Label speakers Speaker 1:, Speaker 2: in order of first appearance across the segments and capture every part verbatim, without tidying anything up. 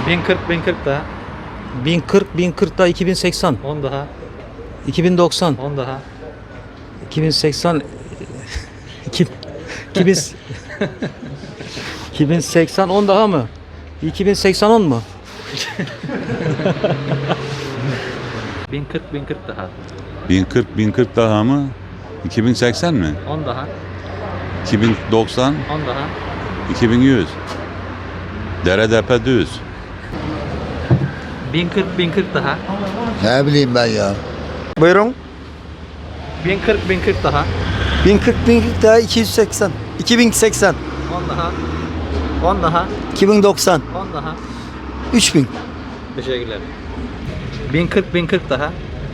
Speaker 1: bin kırk bin kırk daha.
Speaker 2: bin kırk bin kırk daha iki bin seksen.
Speaker 1: on daha.
Speaker 2: iki bin doksan.
Speaker 1: on daha.
Speaker 2: iki bin seksen. iki bin iki bin seksen on daha mı? iki bin seksen on mu?
Speaker 1: bin kırk bin kırk daha.
Speaker 3: bin kırk bin kırk daha mı? iki bin seksen mi?
Speaker 1: on daha.
Speaker 3: iki bin doksan,
Speaker 1: on daha.
Speaker 3: iki bin yüz. Dere depe düz.
Speaker 1: bin kırk bin kırk daha.
Speaker 4: Ne bileyim ben ya.
Speaker 5: Buyurun.
Speaker 1: bin kırk bin kırk daha.
Speaker 5: bin kırk bin kırk daha iki yüz seksen. iki bin seksen.
Speaker 1: on daha. on daha.
Speaker 5: iki bin doksan.
Speaker 1: on daha.
Speaker 5: üç bin.
Speaker 1: Teşekkürler. bin kırk bin kırk daha.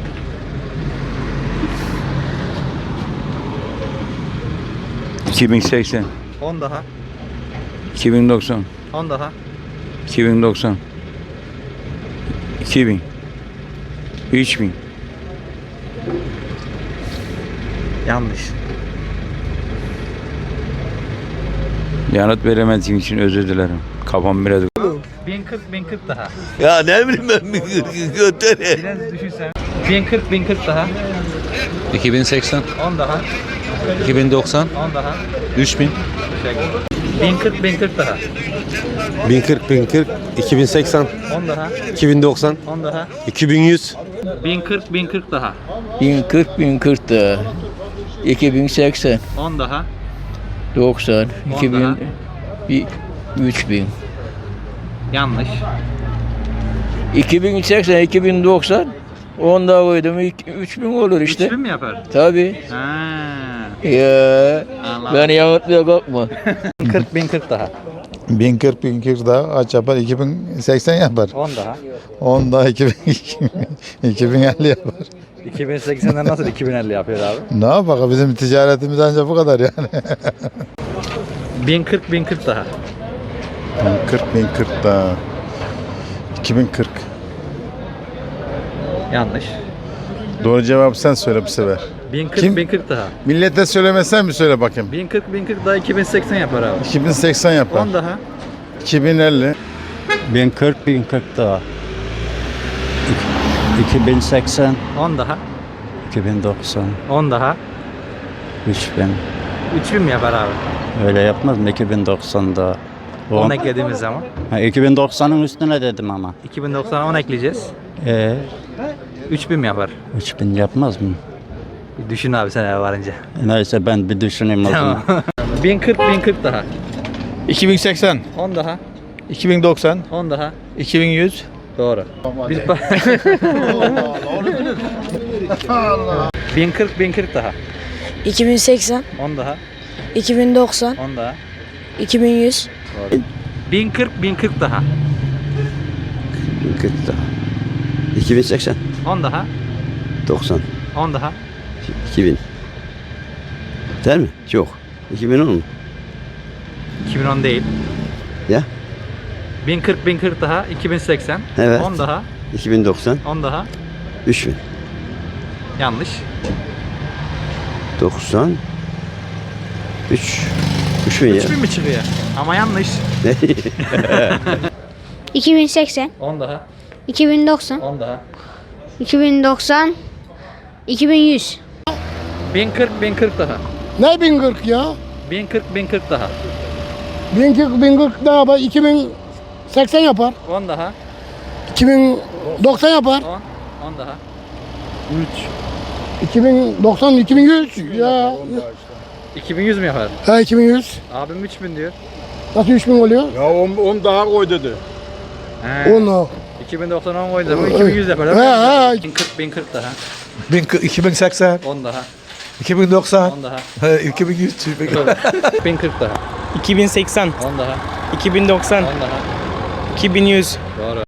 Speaker 6: iki bin seksen,
Speaker 1: on daha.
Speaker 6: iki bin doksan,
Speaker 1: on daha.
Speaker 6: iki bin doksan, iki bin, üç bin.
Speaker 1: Yanlış.
Speaker 6: Yanıt veremediğim için özür dilerim. Kafam biraz...
Speaker 1: bin kırk bin kırk daha.
Speaker 4: Ya ne bileyim ben bir götür.
Speaker 1: Biraz düşünsen. bin kırk bin kırk daha.
Speaker 7: iki bin seksen,
Speaker 1: on daha.
Speaker 7: iki bin doksan,
Speaker 1: on daha.
Speaker 7: üç bin,
Speaker 1: Teşekkür. bin kırk bin kırk daha.
Speaker 8: bin kırk bin kırk, iki bin seksen,
Speaker 1: on daha.
Speaker 8: iki bin doksan,
Speaker 1: on daha.
Speaker 8: iki bin yüz.
Speaker 1: bin kırk bin kırk daha.
Speaker 9: bin kırk bin kırk daha. iki bin seksen.
Speaker 1: on daha.
Speaker 9: doksan.
Speaker 1: On
Speaker 9: iki bin.
Speaker 1: daha.
Speaker 9: üç bin.
Speaker 1: Yanlış.
Speaker 9: iki bin seksen, iki bin doksan. on daha koydum. üç bin olur işte.
Speaker 1: üç bin mi yapar?
Speaker 9: Tabii.
Speaker 1: Ha.
Speaker 9: Ya.
Speaker 1: Anladım.
Speaker 9: Ben yanıltmaya kalkma.
Speaker 1: kırk bin kırk daha.
Speaker 4: bin kırk bin kırk daha aç yapar. iki bin seksen yapar.
Speaker 1: on daha.
Speaker 4: on daha iki bin iki bin elli yapar.
Speaker 1: iki bin seksenden nasıl iki bin elli yapıyor abi?
Speaker 4: Ne yapalım bizim ticaretimiz ancak bu kadar yani.
Speaker 1: bin kırk bin kırk daha.
Speaker 4: bin kırk bin kırk daha. iki bin kırk.
Speaker 1: Yanlış.
Speaker 4: Doğru cevabı sen söyle bu sefer.
Speaker 1: bin kırk
Speaker 4: Kim?
Speaker 1: bin kırk daha.
Speaker 4: Millete söylemesen mi söyle bakayım.
Speaker 1: bin kırk bin kırk daha iki bin seksen yapar abi.
Speaker 4: iki bin seksen yapar.
Speaker 1: on daha.
Speaker 4: iki bin elli.
Speaker 8: bin kırk bin kırk daha. iki bin seksen,
Speaker 1: on daha.
Speaker 8: iki bin doksan,
Speaker 1: on daha.
Speaker 8: üç bin.
Speaker 1: üç bin mi yapar abi?
Speaker 8: Öyle yapmaz mı? iki bin doksan daha.
Speaker 1: on eklediğimiz zaman.
Speaker 8: Ha, iki bin doksanın üstüne dedim ama.
Speaker 1: iki bin doksana on ekleyeceğiz.
Speaker 8: Ee,
Speaker 1: üç bin mi yapar?
Speaker 8: üç bin yapmaz mı?
Speaker 1: Bir düşün abi sen eve varınca.
Speaker 8: Neyse ben bir düşüneyim o zaman.
Speaker 1: Tamam. bin kırk bin kırk daha.
Speaker 5: iki bin seksen.
Speaker 1: on daha.
Speaker 5: iki bin doksan.
Speaker 1: on daha.
Speaker 5: iki bin yüz.
Speaker 1: Doğru. Biz bin kırk bin kırk daha.
Speaker 10: iki bin seksen,
Speaker 1: on daha.
Speaker 10: iki bin doksan,
Speaker 1: on daha.
Speaker 10: iki bin yüz.
Speaker 1: Doğru. bin kırk bin kırk daha.
Speaker 4: bin kırk daha. iki bin seksen.
Speaker 1: on daha.
Speaker 4: doksan.
Speaker 1: on daha.
Speaker 4: iki bin. Değil mi? Yok. iki bin on mu?
Speaker 1: iki bin on değil.
Speaker 4: Ya?
Speaker 1: bin kırk bin kırk daha. iki bin seksen.
Speaker 4: Evet.
Speaker 1: on daha.
Speaker 4: iki bin doksan.
Speaker 1: on daha.
Speaker 4: üç bin.
Speaker 1: Yanlış.
Speaker 4: doksan. üç. üç bin ya.
Speaker 1: üç bin mi çıkıyor? Ama yanlış.
Speaker 4: Ne?
Speaker 10: iki bin seksen,
Speaker 1: on daha.
Speaker 10: iki bin doksan,
Speaker 1: on daha.
Speaker 10: iki bin doksan, iki bin yüz.
Speaker 1: bin kırk bin kırk daha.
Speaker 5: Ne bin kırk ya?
Speaker 1: bin kırk bin kırk daha.
Speaker 5: bin kırk bin kırk daha yapar. iki bin seksen yapar.
Speaker 1: on daha.
Speaker 5: iki bin doksan yapar.
Speaker 1: on. on daha.
Speaker 5: iki bin doksan, iki bin yüz ya.
Speaker 1: iki bin yüz mü yapar?
Speaker 5: Ha iki bin yüz.
Speaker 1: Abim üç bin diyor.
Speaker 5: Nasıl üç bin oluyor?
Speaker 8: Ya on daha koy dedi.
Speaker 1: He.
Speaker 5: on.
Speaker 1: iki bin doksan on koydu ama iki bin yüz yapar.
Speaker 5: He he.
Speaker 1: bin kırk bin kırk daha.
Speaker 5: iki bin seksen,
Speaker 1: on daha.
Speaker 5: iki bin doksan,
Speaker 1: on daha.
Speaker 5: iki bin yüz.
Speaker 1: bin kırk daha.
Speaker 2: iki bin seksen,
Speaker 1: on daha.
Speaker 2: iki bin doksan,
Speaker 1: on daha.
Speaker 2: iki bin yüz.
Speaker 1: Doğru.